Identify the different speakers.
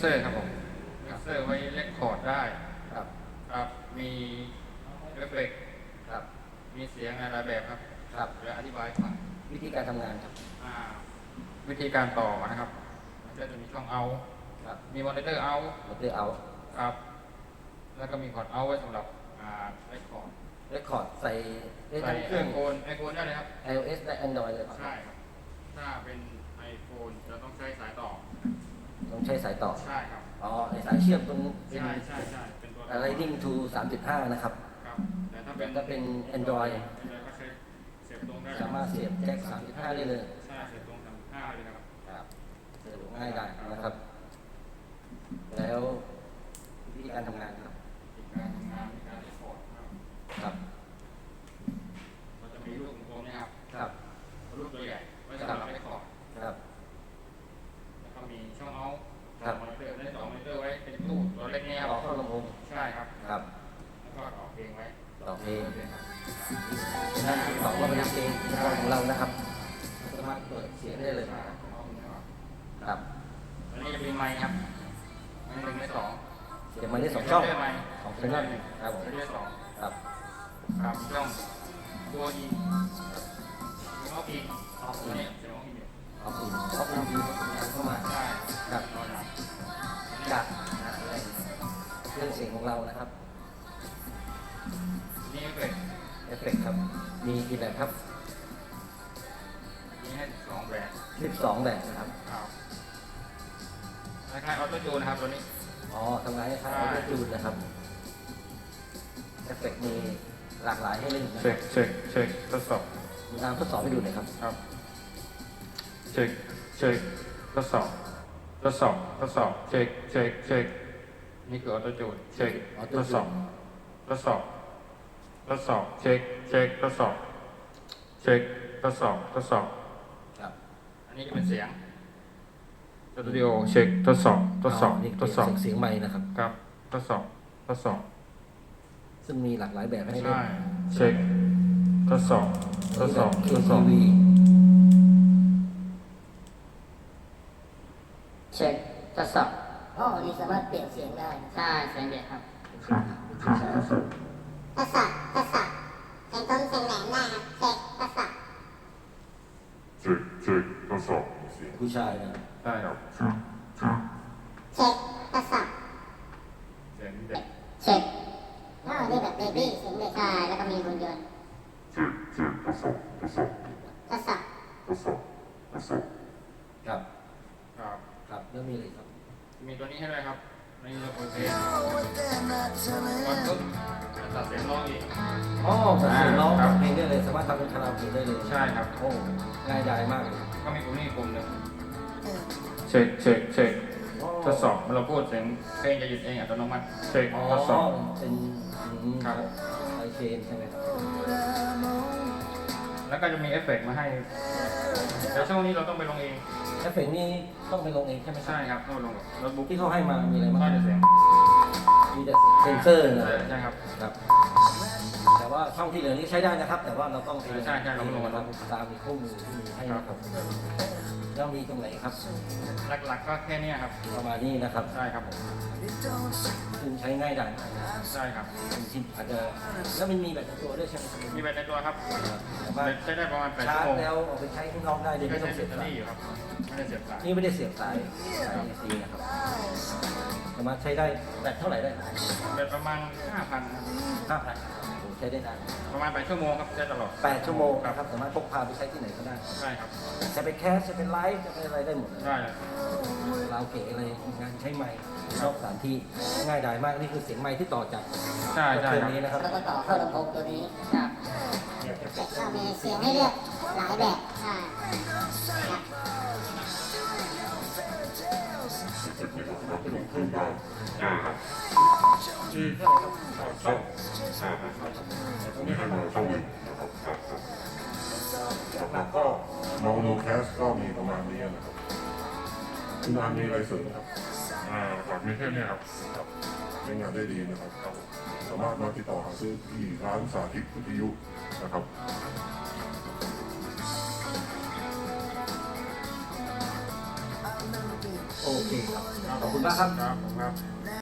Speaker 1: เซอร์ครับผมมิกเซอร์ไว้เล็กคอร์ดได้
Speaker 2: ครับ
Speaker 1: ครับมีเอฟเฟกต์
Speaker 2: ครับ
Speaker 1: มีเสียงอะไรแบบครับ
Speaker 2: ครับ
Speaker 1: เดี๋ยวอธิบายก่อน
Speaker 2: วิธีการทำงานครับ
Speaker 1: วิธีการต่อนะครับมันจะมีช่องเอา
Speaker 2: ครับ
Speaker 1: มีมอนิเตอร์เอา
Speaker 2: มอนิเตอร์เอา
Speaker 1: ครับแล้วก็มีพอร์ตเอาไว้สำหรับเรคคอร์ด
Speaker 2: ใส่ได้
Speaker 1: ใส่
Speaker 2: ทั้งเครื่อง
Speaker 1: iPhone ได้เลยครับ
Speaker 2: iOS และ Android เลยครับ
Speaker 1: ใช่ครับถ้าเป็น iPhone จะต้องใช้สายต่อ
Speaker 2: ต้องใช้สายต่อ
Speaker 1: ใช่ครับ
Speaker 2: อ๋อในสายเชื่อมตรง
Speaker 1: ใช่เป็นตัว
Speaker 2: Lightning to 3.5 นะครับ
Speaker 1: ครับแต่ถ้า
Speaker 2: เป็น Android
Speaker 1: ก็ใช้เสียบตรงได้
Speaker 2: สามารถเสียบแจ็ค 3.5 ได้เลย
Speaker 1: ใช่เสียบตรง 3.5 เลยครับ
Speaker 2: ครับสะดวกง่ายได้นะครับแล้ววิธีการทำงานครับ
Speaker 1: มีการเรคคอร์ด
Speaker 2: ครับ
Speaker 1: เราจะมีรูปตรงนี้ครับ
Speaker 2: ครับ
Speaker 1: รูปตัวใหญ่ไว้สำหรับเรคคอร์ด
Speaker 2: ครับ
Speaker 1: แล้วก็มีช่องเอาท์มอนิเตอร์ได้2มอนิเตอร์ไว้เป็นตู้ตัวเล็กนี้ครับ
Speaker 2: เข้าลำโพง
Speaker 1: ใช่ครับ
Speaker 2: ครับ
Speaker 1: แล้วก็ต่อเพลงไว้
Speaker 2: ต่อเพลงนั่นต่อว่าเป็นเพลงของเรานะครับสามารถเปิดเสียงได้เลยครับ
Speaker 1: อันนี้จะเป็นไมค์ครับอันนี้1และ2
Speaker 2: เสียงไมค์ได้2ช่อง
Speaker 1: 2
Speaker 2: ช่องครับผม
Speaker 1: ได้2
Speaker 2: ครับ
Speaker 1: ครับช่องตัวอีออฟอีตัวนี้เสียงออฟอี
Speaker 2: เข้ามา
Speaker 1: ใช่
Speaker 2: ครับจากเครื่องเสียงของเรานะครับ
Speaker 1: นี่
Speaker 2: เอฟเฟกต์ครับมีกี่แบบครับ
Speaker 1: มีให้2แบบ
Speaker 2: 12แบบนะครับ
Speaker 1: คล้ายๆออโต้จูนนะครับตัวนี้
Speaker 2: อ๋อทำงานคล้ายๆออโต้จูนนะครับเอฟเฟกต์มีหลากหลายให้เล่นนะ
Speaker 1: เช็คทดสอบ
Speaker 2: ตามทดสอบให้ดูหน่อยครับ
Speaker 1: ครับเช็คทดสอบเช็คนี่คือออโต้จูนเช็คทดสอบเช็คทดสอบ
Speaker 2: ครับ
Speaker 1: อันนี้จะเป็นเสียงสตูดิโอเช็คทดสอบ
Speaker 2: เสียงไมค์นะครับ
Speaker 1: ครับทดสอบ
Speaker 2: ซึ่งมีหลากหลายแบบให้เล่น
Speaker 1: ใช่เช็คทดสอบ
Speaker 2: KTV
Speaker 3: เช็คทดสอบอ๋อนี่สามารถเปลี่ยนเสียงได้ใช่เสียงเด็กครับ
Speaker 4: ทดสอบเสียงต้นเสียงแหลมได้ครับเช็คทดสอบ
Speaker 5: ทดสอบ
Speaker 2: ผู้ชายนะ
Speaker 1: ได้ครับ
Speaker 4: เช็คทดสอบ
Speaker 1: เสียงเด็ก
Speaker 4: เช็คอ๋อนี่แบบเบบี้เสียงเด็กใช่แล้วก็มีหุ่นยนต์
Speaker 5: ทดสอบ
Speaker 2: ครับ
Speaker 1: ครับ
Speaker 2: แล้วมีอะไรครับ
Speaker 1: มีตัวนี้ให้ด้วยครับในระบบเพลงวันปุ๊บตัดเสียงร้องอีก
Speaker 2: อ๋อตัดเสียงร้องเพลงได้เลยสามารถทำเป็นคาราโอเกะได้เลย
Speaker 1: ใช่ครับ
Speaker 2: โอ้ง่ายดายมากเลย
Speaker 1: ก็มีปุ่มนี้ปุ่มหนึ่งเช็คทดสอบเราพูดเสียงเพลงจะหยุดเองอัตโนมัติเช็คทดสอบ
Speaker 2: เป็น
Speaker 1: ครับ
Speaker 2: ไอเชนใช่ไหม
Speaker 1: แล้วก็จะมีเอฟเฟกต์มาให้แต่ช่วงนี้เราต้องไปลงเอง
Speaker 2: เอฟเฟกต์นี่ต้องไปลงเองใช่ไหม
Speaker 1: ใช่ครับต้องลงกับโน้ตบุ๊ก
Speaker 2: ที่เขาให้มามีอะไรบ้าง
Speaker 1: ก็จะเสียง
Speaker 2: มีแต่เซนเซอร์นะ
Speaker 1: ใช่ครับ
Speaker 2: แต่ว่าช่องที่เหลือนี้ใช้ได้นะครับแต่ว่าเราต้อง
Speaker 1: ใช่เราลงมา
Speaker 2: ตามมีข้อมูลที่มีให้นะครับแล้วมีตรงไหนครับ
Speaker 1: หลักๆก็แค่นี้ครับ
Speaker 2: ประมาณนี้นะครับ
Speaker 1: ใช่ครับผม
Speaker 2: ซึ่งใช้ง่ายดาย
Speaker 1: ใช่ครับ
Speaker 2: ที่อาจจะแล้วมันมีแบตในตัวด้วยใช่ไหม
Speaker 1: มีแบตในตัวครับใช้ได้ประมาณ8
Speaker 2: ชั่วโมง
Speaker 1: ชาร์จ
Speaker 2: แล้วเอาไปใช้ข้างนอกได้โดยไม่ต้องเสียบสาย
Speaker 1: อยู่ครับไม่ได้เสียบสาย
Speaker 2: นี่ไม่ได้เสียบสายAC นะครับสามารถใช้ได้แบตเท่าไหร่ได้
Speaker 1: แบตประมาณ 5,000
Speaker 2: ใช้ได้นาน
Speaker 1: ประมาณ8 ชั่วโมงครับใช้ตลอด
Speaker 2: 8 ชั่วโมงนะครับสามารถพกพาไปใช้ที่ไหนก็ได้
Speaker 1: ใช่ครับ
Speaker 2: จะเป็นแคสจะเป็นไลฟ์จะเป็นอะไรได้หมด
Speaker 1: ได้
Speaker 2: เราเก๋อะไรงานใช้ไมค์นอกสถานที่ง่ายดายมากนี่คือเสียงไมค์ที่ต่อจากเครื่องนี้นะครับ
Speaker 3: แล้วก็ต่อเข้าลำโพงตัวนี้ครับ
Speaker 4: ก็มีเสียงให้เลือกหลายแบบใช่
Speaker 5: แล้วก็โนแคสก็มีประมาณนี้นะครับคุณอันมีอะไรเสริมครับจากมีแค่นี้ครับใช้งานได้ดีนะครับสามารถมาติดต่อหาซื้อที่ร้านสาธิตวิทยุนะครับ
Speaker 2: โอเคครับขอบคุณมากครับ
Speaker 1: ครับผมครับ